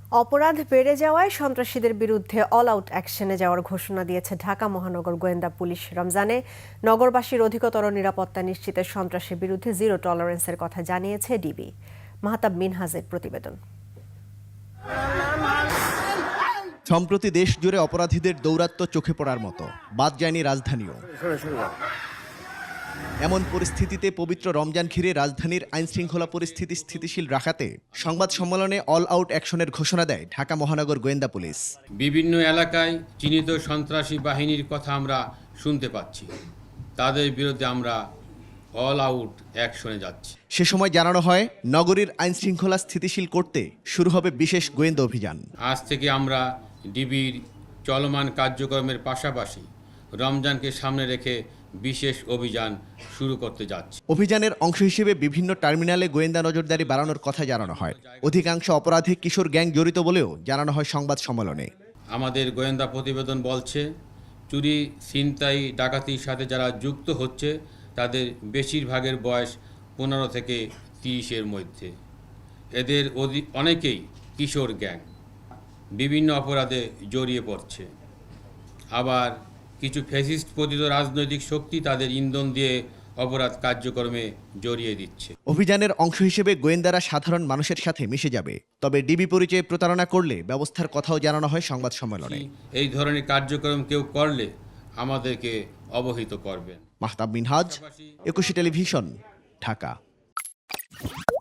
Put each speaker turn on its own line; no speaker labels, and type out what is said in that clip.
অপরাধ বেড়ে যাওয়ায় সন্ত্রাসীদের বিরুদ্ধে অল আউট অ্যাকশনে যাওয়ার ঘোষণা দিয়েছে ঢাকা মহানগর গোয়েন্দা পুলিশ। রমজানে নগরবাসীর অধিকতর নিরাপত্তা নিশ্চিতে সন্ত্রাসের বিরুদ্ধে জিরো টলারেন্সের কথা জানিয়েছে ডিবি। মাহতাব মিনহাজের প্রতিবেদন।
সম্প্রতি দেশ জুড়ে অপরাধীদের দৌরাত্ম্য চোখে পড়ার মতো, বাদ যায়নি রাজধানীও। এমন পরিস্থিতিতে পবিত্র রমজান ঘিরে রাজধানীর আইনশৃঙ্খলা পরিস্থিতি স্থিতিশীল রাখাতে সংবাদ সম্মেলনে অল আউট অ্যাকশনের ঘোষণা দেয় ঢাকা মহানগর গোয়েন্দা পুলিশ।
বিভিন্ন এলাকায় চিহ্নিত সন্ত্রাসী বাহিনীর কথা আমরা শুনতে পাচ্ছি, তাদের বিরুদ্ধে আমরা অল আউট অ্যাকশনে যাচ্ছি।
সে সময় জানানো হয়, নগরীর আইনশৃঙ্খলা স্থিতিশীল করতে শুরু হবে বিশেষ গোয়েন্দা অভিযান।
আজ থেকে আমরা ডিবির চলমান কার্যক্রমের পাশাপাশি রমজানকে সামনে রেখে বিশেষ অভিযান শুরু করতে যাচ্ছি।
অভিযানের অংশ হিসেবে বিভিন্ন টার্মিনালে গোয়েন্দা নজরদারি বাড়ানোর কথা জানানো হয়। অধিকাংশ অপরাধী কিশোর গ্যাং জড়িত বলেও জানানো হয় সংবাদ সম্মেলনে।
আমাদের গোয়েন্দা প্রতিবেদন বলছে, চুরি, ছিনতাই, ডাকাতির সাথে যারা যুক্ত হচ্ছে তাদের বেশিরভাগের বয়স 15 থেকে 30-এর মধ্যে। এদের অনেকেই কিশোর গ্যাং, বিভিন্ন অপরাধে জড়িয়ে পড়ছে। আবার কিছু ফ্যাসিস্ট পতিত রাজনৈতিক শক্তি তাদের ইন্ধন দিয়ে অপরাধ কার্যক্রমে জড়িয়ে দিচ্ছে।
অভিযানের অংশ হিসেবে গোয়েন্দারা সাধারণ মানুষের সাথে মিশে যাবে, তবে ডিবি পরিচয়ে প্রতারণা করলে ব্যবস্থার কথাও জানানো হয় সংবাদ সম্মেলনে।
এই ধরনের কার্যক্রম কেউ করলে আমাদেরকে অবহিত করবেন।
মাহতাব মিনহাজ, 21 টেলিভিশন, ঢাকা।